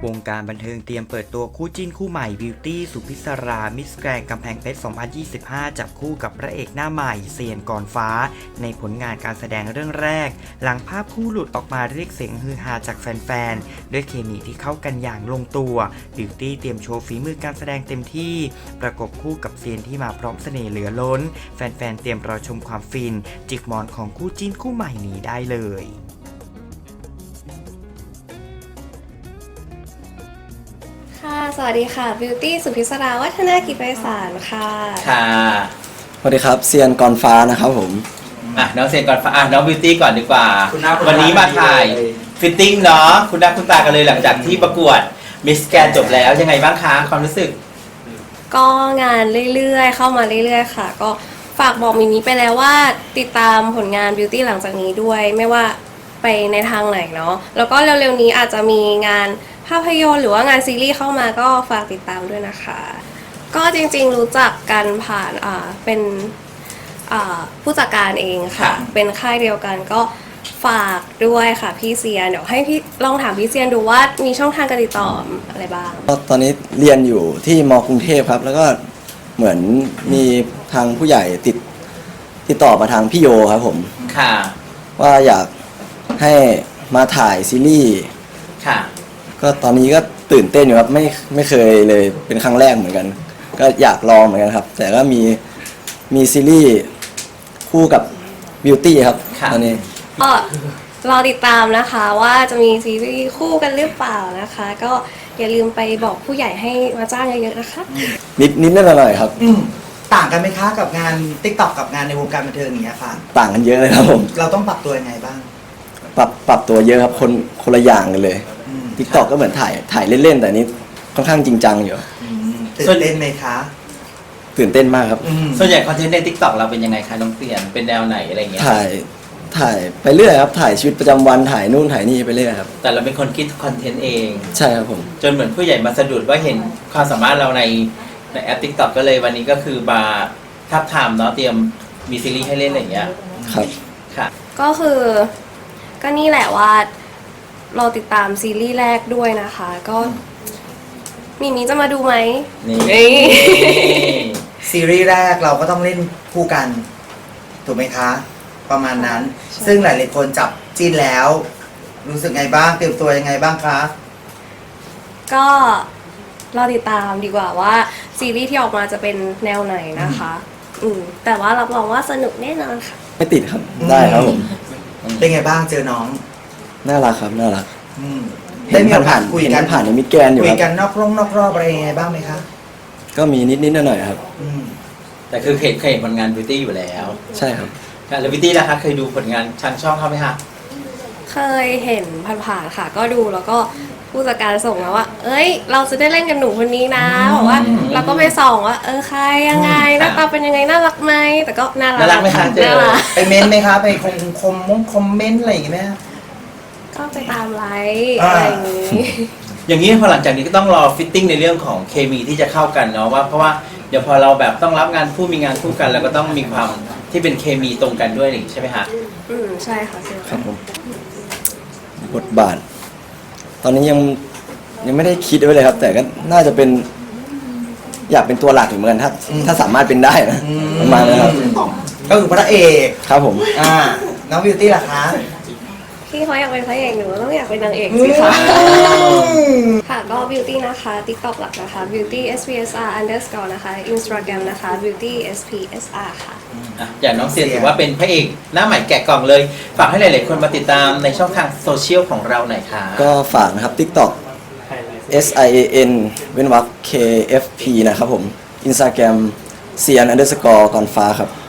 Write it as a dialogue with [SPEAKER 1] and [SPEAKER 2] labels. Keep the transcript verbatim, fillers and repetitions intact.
[SPEAKER 1] วงการบันเทิงเตรียมเปิดตัวคู่จิ้นคู่ใหม่บิวตี้สุพิศรามิสแกรนด์กำแพงเพชร สองพันยี่สิบห้า จับคู่กับพระเอกหน้าใหม่เซียนก่อนฟ้าในผลงานการแสดงเรื่องแรกหลังภาพคู่หลุดออกมาเรียกเสียงฮือฮาจากแฟนๆด้วยเคมีที่เข้ากันอย่างลงตัวบิวตี้เตรียมโชว์ฝีมือการแสดงเต็มที่ประกบคู่กับเซียนที่มาพร้อมเสน่ห์เหลือล้นแฟนๆเตรียมรอชมความฟินจิกหมอนของคู่จิ้นคู่ใหม่นี้ได้เลย
[SPEAKER 2] ค่ะสวัสดีค่ะบิวตี้สุพิศราวัฒนากิจไพศาลค่ะ
[SPEAKER 3] ค่ะ
[SPEAKER 4] สวัสดีครับเซียนกรฟ้านะครับผม
[SPEAKER 3] อ่ะน้องเซียนก่อนฟ้าอ่ะน้องบิวตี้ก่อนดีกว่าวันนี้มาถ่ายฟิตติ้งเนาะคุณหน้าคุณตากันเลยหลังจากที่ประกวดมิสแกรนด์จบแล้วยังไงบ้างคะความรู้สึก
[SPEAKER 2] ก็งานเรื่อยๆเข้ามาเรื่อยๆค่ะก็ฝากบอกมิมิไปแล้วว่าติดตามผลงานบิวตี้หลังจากนี้ด้วยไม่ว่าไปในทางไหนเนาะแล้วก็เร็วๆนี้อาจจะมีงานภาพยนตร์หรือว่างานซีรีส์เข้ามาก็ฝากติดตามด้วยนะคะก็จริงๆรู้จักกันผ่านอ่าเป็นอ่าผู้จัดการเองค่ะเป็นค่ายเดียวกันก็ฝากด้วยค่ะพี่เซียนเดี๋ยวให้พี่ลองถามพี่เซียนดูว่ามีช่องทางการติดต่ออะไรบ้าง
[SPEAKER 4] ตอนนี้เรียนอยู่ที่ม.กรุงเทพครับแล้วก็เหมือนมีทางผู้ใหญ่ติดติดต่อมาทางพี่โยครับผม
[SPEAKER 3] ค่ะ
[SPEAKER 4] ว่าอยากให้มาถ่ายซีรีส์
[SPEAKER 3] ค่ะ
[SPEAKER 4] ก็ตอนนี้ก็ตื่นเต้นอยู่ครับไม่ไม่เคยเลยเป็นครั้งแรกเหมือนกันก็อยากลองเหมือนกันครับแต่ก็มีมีซีรีส์คู่กับบิวตี้ครับตอนนี้
[SPEAKER 2] ก็รอติดตามนะคะว่าจะมีซีรีส์คู่กันหรือเปล่านะคะก็อย่าลืมไปบอกผู้ใหญ่ให้มาจ้างเยอะๆนะคะ
[SPEAKER 4] นิดนิดนิดหน่อยๆครับ
[SPEAKER 5] ต่างกันไหมคะกับงาน ติ๊กต็อก กับงานในวงการบันเทิงอย่างเงี้ยค่ะ
[SPEAKER 4] ต่างกันเยอะเลยครับผม
[SPEAKER 5] เราต้องปรับตัวยังไงบ้าง
[SPEAKER 4] ปรับปรับตัวเยอะครับคนคนละอย่างกันเลย ติ๊กต็อก ก็เหมือนถ่ายถ่ายเล่นๆแต่นี้ค่อนข้างจริงจังอยู่
[SPEAKER 5] ตื่นเต้นไหมคะ
[SPEAKER 4] ตื่นเต้นมากครับ
[SPEAKER 3] ส่วนใหญ่คอนเทนต์ใน ติ๊กต็อก เราเป็นยังไงคะน้องเปลี่ยนเป็นแนวไหนอะไรเงี้ย
[SPEAKER 4] ถ่ายถ่ายไปเรื่อยครับถ่ายชีวิตประจำวันถ่ายนู่นถ่ายนี่ไปเรื่อยครับ
[SPEAKER 3] แต่เราเป็นคนคิดคอนเทนต์เอง
[SPEAKER 4] ใช่ครับผม
[SPEAKER 3] จนเหมือนผู้ใหญ่มาสะดุดว่าเห็นความสามารถเราในในแอป ติ๊กต็อก ก็เลยวันนี้ก็คือมาทับทามเนาะเตรียมมีซีรีส์ให้เล่นอะไรอย่างเงี้ย
[SPEAKER 4] ครับ
[SPEAKER 3] ค่ะ
[SPEAKER 2] ก็คือก็นี่แหละว่าเราติดตามซีรีส์แรกด้วยนะคะก็มีมีจะมาดูไหม
[SPEAKER 3] นี่
[SPEAKER 5] ซีรีส์แรกเราก็ต้องเล่นคู่กันถูกไหมคะประมาณนั้นซึ่งหลายๆคนจับจิ้นแล้วรู้สึกไงบ้างเตรียมตัวยังไงบ้างคะ
[SPEAKER 2] ก็เราติดตามดีกว่าว่าซีรีส์ที่ออกมาจะเป็นแนวไหนนะคะอืมแต่ว่ารับรองว่าสนุกแน่นอนค่ะ
[SPEAKER 4] ไม่ติดครับได้ครับผม
[SPEAKER 5] เป็นไงบ้างเจอน้อง
[SPEAKER 4] น่ารักครับน่ารัก
[SPEAKER 5] ได้มีโอกาสคุยกัน
[SPEAKER 4] ผ่านในมิดแกนอยู่
[SPEAKER 5] คุยกันนอกร่องนอกรอบอะไรยังไงบ้างไหมคะ
[SPEAKER 4] ก็มีนิดนิดหน่อยๆครับ
[SPEAKER 3] แต่คือเคยเคยเห็นผลงานบิวตี้อยู่แล้ว
[SPEAKER 4] ใช่ครับ
[SPEAKER 3] แล้วบิวตี้ล่ะคะเคยดูผลงานทางช่องเขาไหมคะ
[SPEAKER 2] เคยเห็นผ่านๆค่ะก็ดูแล้วก็ผู้จัดการส่งมาว่าเอ้ยเราจะได้เล่นกับหนูคนนี้นะบอกว่าเราก็ไปส่องว่าเออใครยังไงหน้าตาเป็นยังไงน่ารักไหมแต่ก็น่ารัก
[SPEAKER 3] น่ารักไหมคะเจอ
[SPEAKER 5] ไปเม้นไหมคะไปคอมคอมมงคอมเมนต์อะไรอย่างเงี้ยไหม
[SPEAKER 2] ก็ไปตามไลค์อะไรอย่างนี้
[SPEAKER 3] อย่างนี้พอหลังจากนี้ก็ต้องรอฟิตติ้งในเรื่องของเคมีที่จะเข้ากันเนาะว่าเพราะว่าเดี๋ยวพอเราแบบต้องรับงานคู่มีงานคู่กันแล้วก็ต้องมีความที่เป็นเคมีตรงกันด้วยนี่ใช่ไหมคะ
[SPEAKER 2] อืมใช่ค่ะใช่
[SPEAKER 4] ครับผมบทบาทตอนนี้ยังยังไม่ได้คิดไว้เลยครับแต่ก็น่าจะเป็นอยากเป็นตัวหลักอยู่เหมือนกันถ้าถ้าสามารถเป็นได้นะประมาณนั้นครับ
[SPEAKER 5] ก็คือพระเอก
[SPEAKER 4] ครับผม
[SPEAKER 5] อ่าน้องบิวตี้ล่ะคะ
[SPEAKER 2] พี่เขาอยากเป็นพระเอกหนูต้องอยากเป็นนางเอกสิคะค่ะก็ Beauty นะคะ TikTok หลักนะคะ Beauty เอส พี เอส อาร์ underscore นะคะ Instagram นะคะ Beauty เอส พี เอส อาร์ ค่ะ
[SPEAKER 3] อย่างน้องเซียนถือว่าเป็นพระเอกหน้าใหม่แกะกล่องเลยฝากให้หลายๆคนมาติดตามในช่องทางโซเชียลของเราหน่อยค่ะ
[SPEAKER 4] ก็ฝากนะครับ TikTok S I A N เว้นวรรค K F P นะครับผม Instagram เซียน underscore กรฟ้าครับ